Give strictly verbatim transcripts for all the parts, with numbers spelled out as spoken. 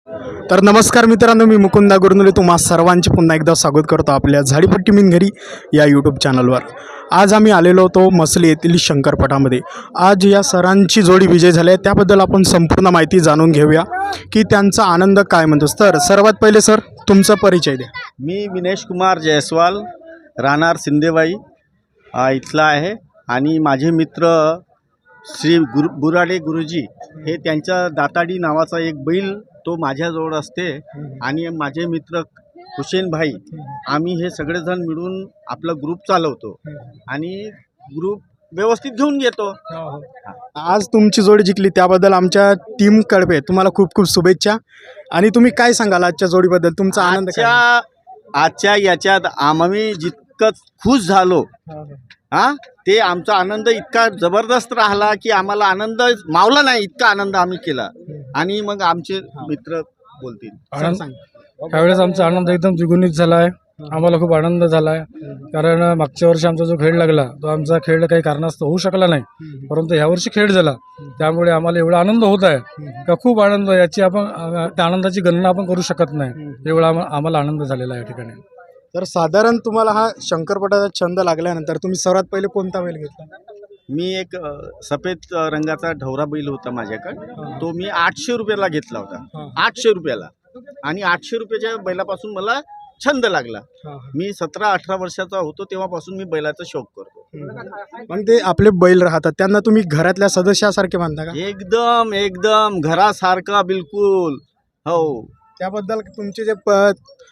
तर नमस्कार मित्रांनो, मी मुकुंदा गुरनुले तुम्हा सर्वांचे पुन्हा एकदा स्वागत करतो आपल्या झाडीपट्टी मिनघरी या यूट्यूब चॅनलवर. आज आम्ही आलेलो होतो मसली येथील शंकरपटामध्ये. आज या सरांची जोडी विजय झाली आहे, त्याबद्दल आपण संपूर्ण माहिती जाणून घेऊया की त्यांचा आनंद काय म्हणतो. तर सर्वात पहिले सर तुमचा परिचय द्या. मी विनेश कुमार जयस्वाल, राहणार सिंदेवाई अ, इथला आहे. आणि माझे मित्र श्री गुरु बुराडे गुरुजी हे त्यांच्या दाताडी नावाचा एक बैल तो माझ्याजवळ असते. आणि माझे मित्र हुसेन भाई, आम्ही हे सगळेजण मिळून आपला ग्रुप चालवतो आणि ग्रुप व्यवस्थित घेऊन येतो. आज तुमची जोडी जिंकली त्याबद्दल आमच्या टीम कडे तुम्हाला खूप खूप शुभेच्छा. आणि तुम्ही काय सांगाल आजच्या जोडीबद्दल, तुमचा आनंद काय? आजच्या आजच्या याच्यात आम्ही जितकं खुश झालो हां, ते आमचा आनंद इतका जबरदस्त राहिला की आम्हाला आनंद मावला नाही, इतका आनंद आम्ही केला. आणि मग आमचे मित्र बोलतील. सर सांग. त्यावेळेस आमचा आनंद एकदम द्विगुणित झाला आहे. आम्हाला खूप आनंद झाला आहे, कारण मागच्या वर्षी आमचा जो खेळ लागला तो आमचा खेळ काही कारणास्तव होऊ शकला नाही, परंतु ह्यावर्षी खेळ झाला. त्यामुळे आम्हाला एवढा आनंद होत आहे का खूप आनंद, याची आपण त्या आनंदाची गणना आपण करू शकत नाही, एवढा आम्हा- आम्हाला आनंद झालेला आहे या ठिकाणी. तर साधारण तुम्हाला हा शंकरपटाचा छंद लागल्यानंतर तुम्ही सर्वात पहिले कोणता बैल घेतला? मी एक अ, सफेद अ, रंगाचा ढवरा बैल होता माझ्याकडे. तो मी आठशे रुपयाला घेतला होता, आठशे रुपयाला. आणि आठशे रुपयाच्या बैलापासून मला छंद लागला. मी सतरा अठरा वर्षाचा होतो तेव्हापासून मी बैलाचा शौक करतो. मग ते आपले बैल राहतात त्यांना तुम्ही घरातल्या सदस्यासारखे मानता का? एकदम एकदम घरासारखा बिलकुल. हो, त्याबद्दल तुमचे जे प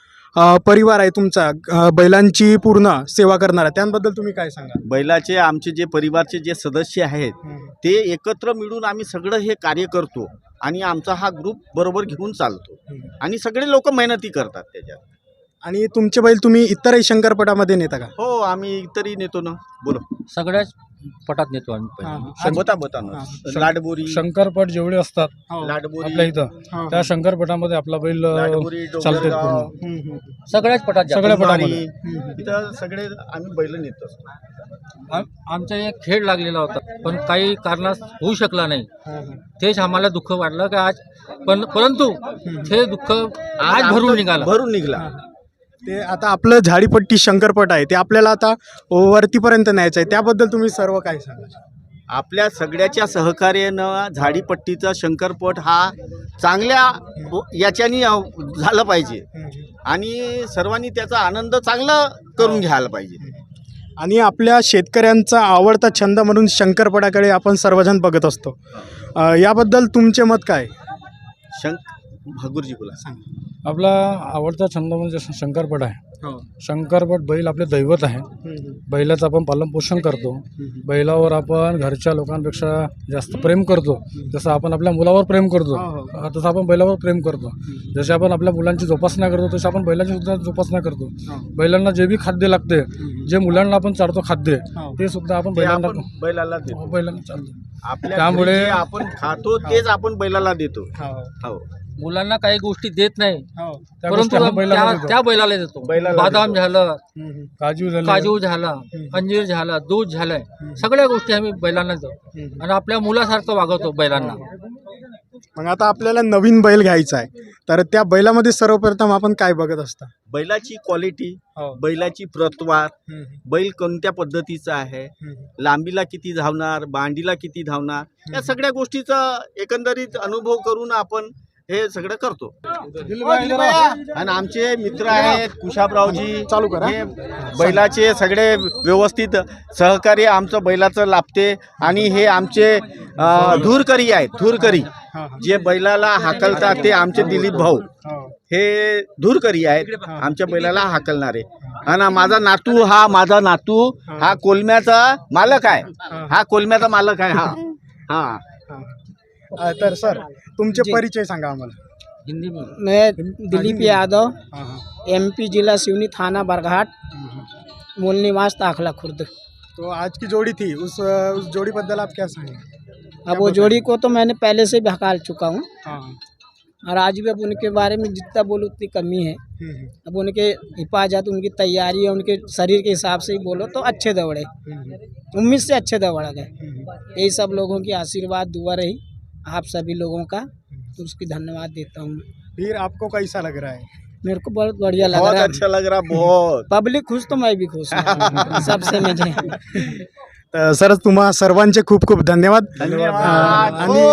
अ, परिवार आहे तुमचा, अ, बैलांची पूर्ण सेवा करणारा, त्याबद्दल तुम्ही काय सांगा? बैलाचे आमचे जे परिवारचे जे सदस्य आहेत ते एकत्र मिळून आम्ही सगळं हे कार्य करतो आणि आमचा हा ग्रुप बरोबर घेऊन चालतो. आणि सगळे लोक मेहनती करतात त्याच्यात. आणि तुमचे बैल तुम्ही इतरही शंकरपटामध्ये नेता का? हो, आम्ही तरी नेतो ना. बोलो. सगळ्याच पटात नेतो आम्ही पहिले. हां, बता बता ना. लाडबोरी शंकरपट जेवढे असतात लाडबोरी आपल्या इथं, त्या शंकरपटामध्ये आपला बैल अ, लाडबोरी चालते डोंगरगाव, पूर्ण. हम्म, हम्म. सगळ्याच पटात जातो. सगळ्या कुंभारी, पटामध्ये इथं सगळे आम्ही बैल नेतो. आम- आमचा एक खेळ लागलेला होता, पण काही कारणास होऊ शकला नाही. हां, हां. तेच आम्हाला दुःख वाटलं की आज, पण परंतु ते दुःख आज भरून निघालं. भरून निघाला. ते आता आपलं झाडीपट्टी शंकरपट आहे ते आपल्याला आता वरतीपर्यंत न्यायचं आहे, त्याबद्दल तुम्ही सर्व काय सांगा? आपल्या सगळ्याच्या सहकार्यानं झाडीपट्टीचा शंकरपट हा चांगल्या याच्यानी झालं पाहिजे आणि सर्वांनी त्याचा आनंद चांगला करून घ्यायला पाहिजे. आणि आपल्या शेतकऱ्यांचा आवडता छंद म्हणून शंकरपटाकडे आपण सर्वजण बघत असतो. अ, याबद्दल तुमचे मत काय? शंक भगुरजी बोला. सांग. आपला आवडता छंद म्हणजे श- शंकरपट आहे. शंकरपट बैल आपले दैवत आहे. बैलाचं आपण पालनपोषण करतो. बैलावर आपण घरच्या लोकांपेक्षा जास्त प्रेम करतो. जसं आपण आपल्या मुलावर प्रेम करतो अ, तसं आपण बैलावर प्रेम करतो. जसे आपण आपल्या मुलांची जोपासना करतो तसे आपण बैलांची सुद्धा जोपासना करतो. बैलांना जे बी खाद्य लागते, जे मुलांना आपण चारतो खाद्य, ते सुद्धा आपण ते बैलांना आपण बैलाला देतो. बैलांना चालतो. आपल्या त्यामुळे- घरी जे आपण खातो तेच आपण बैलाला देतो. हो, मुलांना काही गोष्टी देत नाही, त्या परंतु गोष्टी आपण बैलांना त्या देतो. त्या बैलाला देतो. बैलाला बदाम देतो. झालं, काजू झाले, काजू झाला, अंजीर झाला, दूध झालंय, सगळ्या गोष्टी आम्ही बैलांना देतो आणि आपल्या मुलासारखं वागवतो बैलांना. मग आता आपल्याला नवीन बैल घ्यायचा आहे, तर त्या बैलामध्ये सर्वप्रथम आपण काय बघत असता? बैलाची क्वालिटी, हो. बैलाची प्रतवार, बैल कोणत्या पद्धतीचा आहे, लांबीला किती धावणार, बांडीला किती धावणार, या सगळ्या गोष्टीचा एकंदरीत अनुभव करून आपण हे सगळं करतो. आणि आमचे मित्र आहेत कुशाबरावजी, चालू करा. हे बैलाचे सगळे व्यवस्थित सहकार्य आमचं बैलाचं लाभते. आणि हे आमचे अं, धूरकरी आहेत. धूरकरी जे बैलाला हाकलतात ते आमचे दिलीप भाऊ हे धूरकरी आहेत, आमच्या बैलाला हाकलणारे. आणि माझा नातू हा माझा नातू हा कोलम्याचा मालक आहे. हा कोलम्याचा मालक आहे. हा हा अ, तर सर तुमचे परिचय सांगा आम्हाला. हिंदी में मैं दिलीप यादव, हां, हां. एमपी जिला सिवनी, थाना बरघाट, मूल निवास ताखला खुर्द। तो आज की जोड़ी थी, उस उस जोड़ी बद्दल आप क्या सांगे? अब वो जोड़ी को तो मैंने पहले से भी हकाल चुका हूँ हाँ, और आज भी अब उनके बारे में जितना बोलूँ उतनी कमी है। हम्म, अब उनके हिफाजत, उनकी तैयारी, उनके शरीर के हिसाब से ही बोलो तो अच्छे दौड़े, हम्म, उम्मीद से अच्छे दौड़ गए। हम्म। यही सब लोगों की आशीर्वाद दुआ रही आप सभी लोगों का, तो उसकी धन्यवाद देता हूँ मैं। फिर आपको कैसा लग रहा है? मेरे को बहुत बढ़िया लग बहुत रहा है। अच्छा लग रहा बहुत पब्लिक खुश तो मैं भी खुश हूँ सबसे मुझे। तर सर तुम्हा सर्वांचे खूप खूप धन्यवाद. धन्यवाद. अं, आणि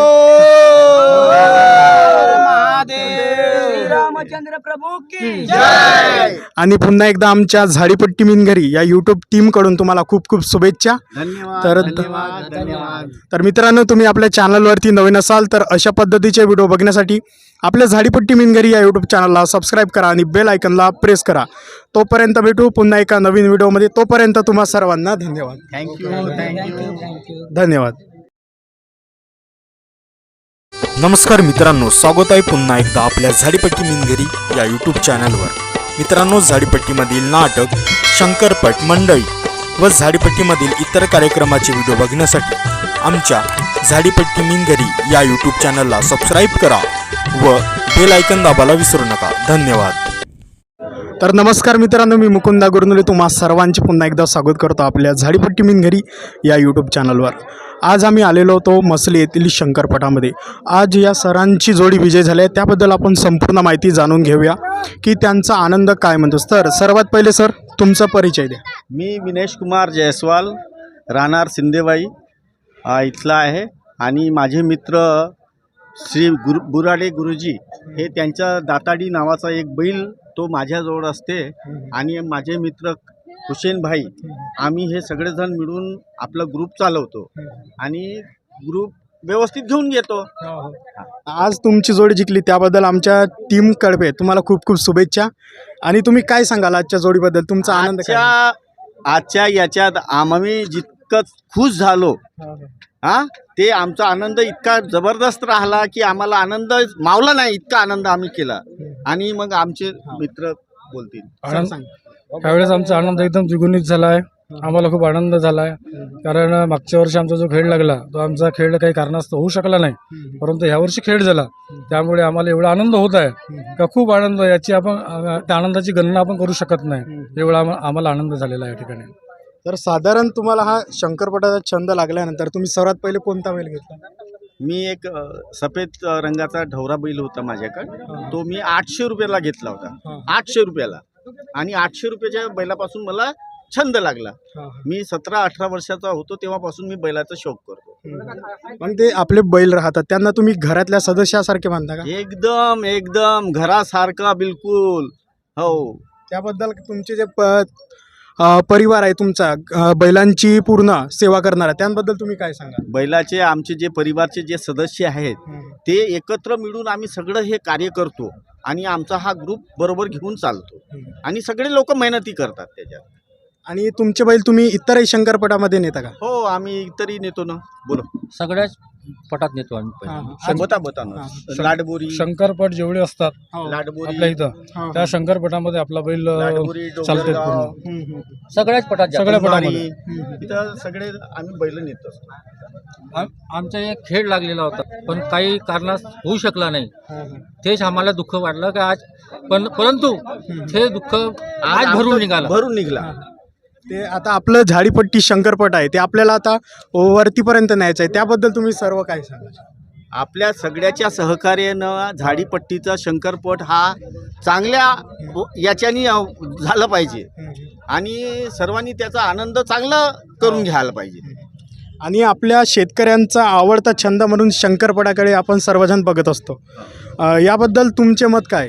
रामचंद्र प्रभू की जय. आणि पुन्हा एकदा आमच्या झाडीपट्टी मिनघरी या यूट्यूब टीमकडून तुम्हाला खूप खूप शुभेच्छा. धन्यवाद तर- धन्यवाद धन्यवाद. तर मित्रांनो, तुम्ही आपल्या चॅनलवरती नवीन असाल तर अशा पद्धतीचे व्हिडिओ बघण्यासाठी आपल्या झाडीपट्टी मिनघरी या यूट्यूब चॅनलला सबस्क्राईब करा आणि बेल आयकनला प्रेस करा. तोपर्यंत भेटू पुन्हा एका नवीन व्हिडिओमध्ये. तोपर्यंत तुम्हा सर्वांना धन्यवाद. Thank you thank you. थँक्यू. धन्यवाद. नमस्कार मित्रांनो, स्वागत आहे पुन्हा एकदा आपल्या झाडीपट्टी मिनघरी या यूट्यूब चॅनलवर. मित्रांनो, झाडीपट्टीमधील नाटक, शंकरपट मंडळी व झाडीपट्टीमधील इतर कार्यक्रमाचे व्हिडिओ बघण्यासाठी आमच्या झाडीपट्टी मिनघरी या यूट्यूब चॅनलला सबस्क्राईब करा व बेल आयकन दाबायला विसरू नका. धन्यवाद. तर नमस्कार मित्रांनो, मी मुकुंदा गुरुनुले तुम्हा सर्वांचे पुन्हा एकदा स्वागत करतो आपल्या झाडीपट्टी मिनघरी या यूट्यूब चॅनलवर. आज आम्ही आलेलो होतो मसली येथील शंकरपटामध्ये. आज या सरांची जोडी विजय झाली आहे, त्याबद्दल आपण संपूर्ण माहिती जाणून घेऊया की त्यांचा आनंद काय म्हणतो. तर सर्वात पहिले सर तुमचा परिचय द्या. मी विनेश कुमार जयस्वाल, राहणार सिंदेवाई अ, इथला आहे. आणि माझे मित्र श्री गुरु बुराडे गुरुजी हे त्यांच्या दाताडी नावाचा एक बैल तो माझ्याजवळ असते. आणि माझे मित्र हुसेन भाई, आम्ही हे सगळेजण मिळून आपला ग्रुप चालवतो आणि ग्रुप व्यवस्थित घेऊन घेतो. आज तुमची जोडी जिंकली त्याबद्दल आमच्या टीम कडे तुम्हाला खूप खूप शुभेच्छा. आणि तुम्ही काय सांगाल आजच्या जोडीबद्दल, तुमचा आनंद काय? आजच्या आजच्या याच्यात आम्ही जितकं खुश झालो हा ते आमचा आनंद इतका जबरदस्त राहिला की आम्हाला आनंद मावला नाही, इतका आनंद आम्ही केला. आणि मग आमचे मित्र बोलतील. आनंद सांग. त्यावेळेस आमचा आनंद एकदम द्विगुणित झाला आहे. आम्हाला खूप आनंद झाला आहे, कारण मागच्या वर्षी आमचा जो खेळ लागला तो आमचा खेळ काही कारणास्तव होऊ शकला नाही, परंतु यावर्षी खेळ झाला. त्यामुळे आम्हाला एवढा आनंद होत आहे का खूप आनंद, याची आपण अ, त्या आनंदाची गणना आपण करू शकत नाही, एवढा आम- आम्हाला आनंद झालेला आहे या ठिकाणी. तर साधारण तुम्हाला हा शंकरपटाचा छंद लागल्यानंतर तुम्ही सर्वात पहिले कोणता बैल घेतला? मी एक अ, सफेद अ, रंगाचा ढवरा बैल होता माझ्याकडे. तो मी आठशे रुपयाला घेतला होता, आठशे रुपयाला. आणि आठशे रुपयाच्या बैलापासून मला छंद लागला. मी सतरा अठरा वर्षाचा होतो तेव्हापासून मी बैलाचा शौक करतो. पण ते आपले बैल राहतात त्यांना तुम्ही घरातल्या सदस्यासारखे मानता का? एकदम एकदम घरासारखा बिलकुल. हो. त्याबद्दल तुमचे जे प अ, परिवार आहे तुमचा, अ, बैलांची पूर्ण सेवा करणारा, त्याबद्दल तुम्ही काय सांगा? बैलाचे आमचे जे परिवारचे जे सदस्य आहेत ते एकत्र मिळून आम्ही सगळं हे कार्य करतो आणि आमचा हा ग्रुप बरोबर घेऊन चालतो. आणि सगळे लोक मेहनती करतात त्याच्यात. आणि तुमचे बैल तुम्ही इतरही शंकरपटामध्ये नेता का? हो, आम्ही तरी नेतो ना. बोलो. सगळ्याच पटात नेतो आम्ही पहिले. बता बता ना. लाडबोरी शंकरपट जेवढे असतात लाडबोरी आपल्या इथं, त्या शंकरपटामध्ये आपला बैल अ, लाडबोरी चालते डोंगरगाव, पूर्ण. सगळ्याच पटात जातो. सगळ्या कुंभारी, पटामध्ये. इथं सगळे आम्ही बैल नेतो. आम- आमचा एक खेळ लागलेला होता, पण काही कारणास होऊ शकला नाही. तेच आम्हाला दुःख वाटलं की आज, पण परंतु ते दुःख आज भरून निघाला. भरून निघाला. ते आता आपलं झाडीपट्टी शंकरपट आहे ते आपल्याला आता वरतीपर्यंत न्यायचं आहे, त्याबद्दल तुम्ही सर्व काय सांगा? आपल्या सगळ्याच्या सहकार्यानं झाडीपट्टीचा शंकरपट हा चांगल्या याच्यानी अ, झालं पाहिजे आणि सर्वांनी त्याचा आनंद चांगला करून घ्यायला पाहिजे. आणि आपल्या शेतकऱ्यांचा आवडता छंद म्हणून शंकरपटाकडे आपण सर्वजण बघत असतो. अ, याबद्दल तुमचे मत काय?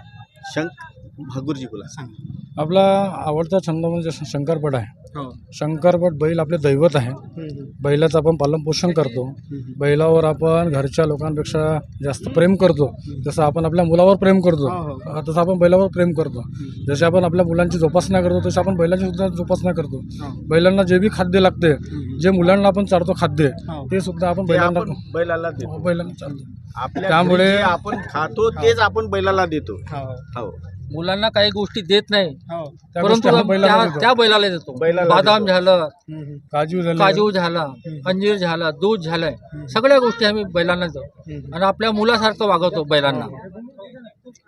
शंक भगुरजी बोला. आपला आवडता छंद म्हणजे श- शंकरपट आहे. शंकरपट बैल आपले दैवत आहे. बैलाचं आपण पालनपोषण करतो. बैलावर आपण घरच्या लोकांपेक्षा जास्त प्रेम करतो. जसं आपण आपल्या मुलावर प्रेम करतो तसं आपण बैलावर प्रेम करतो. जसे आपण आपल्या मुलांची जोपासना करतो तसे आपण बैलांची सुद्धा जोपासना करतो. बैलांना जे बी खाद्य लागते, जे मुलांना आपण चारतो खाद्य, ते सुद्धा आपण ते बैलांना आपण बैलाला देतो. बैलांना चालतो. आपल्या त्यामुळे- घरी जे आपण खातो तेच आपण बैलाला देतो. हो. मुलांना काही गोष्टी देत नाही, त्या परंतु गोष्टी आपण बैलांना त्या देतो. त्या बैलाला देतो. बैलाला बदाम देतो. झालं, काजू झाले, काजू झाला, अंजीर झाला, दूध झालंय, सगळ्या गोष्टी आम्ही बैलांना देतो आणि आपल्या मुलासारखं वागवतो बैलांना.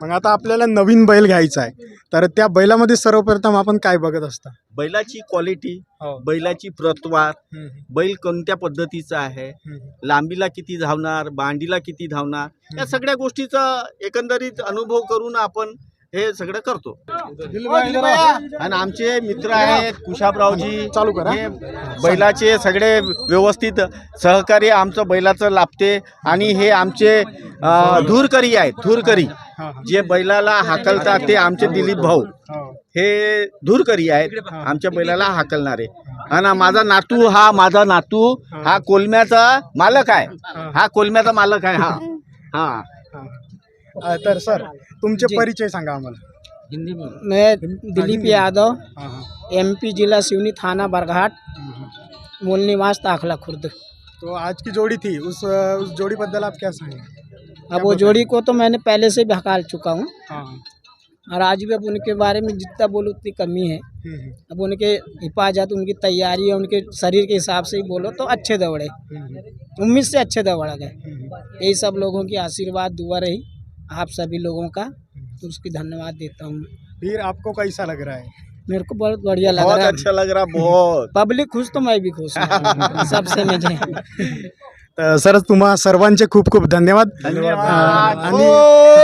मग आता आपल्याला नवीन बैल घ्यायचा आहे, तर त्या बैलामध्ये सर्वप्रथम आपण काय बघत असता? बैलाची क्वालिटी, हो. बैलाची प्रतवार, हम्म, बैल कोणत्या पद्धतीचा आहे, हम्म, लांबीला किती धावणार, बांडीला किती धावणार, या सगळ्या गोष्टीचा एकंदरीत अनुभव करून आपण हे सगळं करतो. आणि आमचे मित्र आहेत कुशाबरावजी, चालू करा. हे बैलाचे सगळे व्यवस्थित सहकार्य आमचं बैलाचं लाभते. आणि हे आमचे अं, धूरकरी आहेत, धूरकरी हा, हा. जे बैलाला हाकलतात ते आमचे दिलीप भाऊ हो. हे धूरकरी आहेत आमच्या बैलाला हाकलणारे. आणि माझा नातू हा माझा नातू हा कोलम्याचा मालक आहे, हा कोलम्याचा मालक आहे. हा हा अ, तर सर तुमचे परिचय सांगा आम्हाला. हिंदी में मैं दिलीप यादव, हाँ, हाँ. एमपी जिला सिवनी, थाना बरघाट, मूल निवास ताखला खुर्द। तो आज की जोड़ी थी, उस उस जोड़ी बद्दल आप क्या सांगेंगे? अब वो जोड़ी को तो मैंने पहले से भी हकाल चुका हूँ, हाँ, और आज भी अब उनके बारे में जितना बोलो उतनी कमी है। हम्म, अब उनके हिफाजत, उनकी तैयारी और उनके शरीर के हिसाब से ही बोलो तो अच्छे दौड़े, हम्म, उम्मीद से अच्छे दौड़ गए। हम्म. यही सब लोगों की आशीर्वाद दुआ रही आप सभी लोगों का, तो उसकी धन्यवाद देता हूँ। फिर आपको कैसा लग रहा है? मेरे को बहुत बढ़िया लग बहुत रहा है, अच्छा लग रहा, बहुत. पब्लिक खुश तो मैं भी खुश हूँ सबसे मुझे। तर सर तुम्हा सर्वांचे खूप खूप धन्यवाद. धन्यवाद. अ, आणि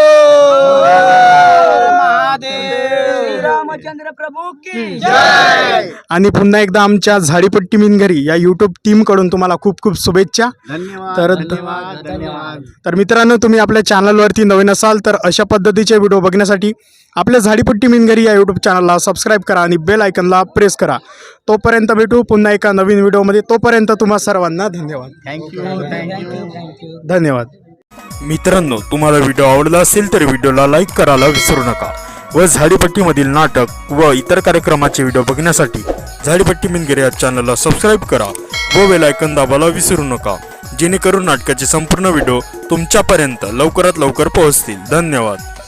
रामचंद्र प्रभू की जय. आणि पुन्हा एकदा आमच्या झाडीपट्टी मिनघरी या यूट्यूब टीमकडून तुम्हाला खूप खूप शुभेच्छा. धन्यवाद. तर- धन्यवाद. धन्यवाद. तर मित्रांनो, तुम्ही आपल्या चॅनलवरती नवीन असाल तर अशा पद्धतीचे व्हिडिओ बघण्यासाठी आपल्या झाडीपट्टी मिनघरी या यूट्यूब चॅनलला सबस्क्राईब करा आणि बेल आयकनला प्रेस करा. तोपर्यंत भेटू पुन्हा एका नवीन व्हिडिओमध्ये. तोपर्यंत तुम्हा सर्वांना धन्यवाद. Thank you thank you thank you. धन्यवाद. मित्रांनो, तुम्हाला व्हिडिओ आवडला असेल तर व्हिडिओला लाईक करायला विसरू नका व झाडीपट्टीमधील नाटक व इतर कार्यक्रमाचे व्हिडिओ बघण्यासाठी झाडीपट्टी मिनगिरी या चॅनलला सबस्क्राईब करा व बेल आयकॉन दाबायला विसरू नका, जेणेकरून नाटकाचे संपूर्ण व्हिडिओ तुमच्यापर्यंत लवकरात लवकर पोहोचतील. धन्यवाद.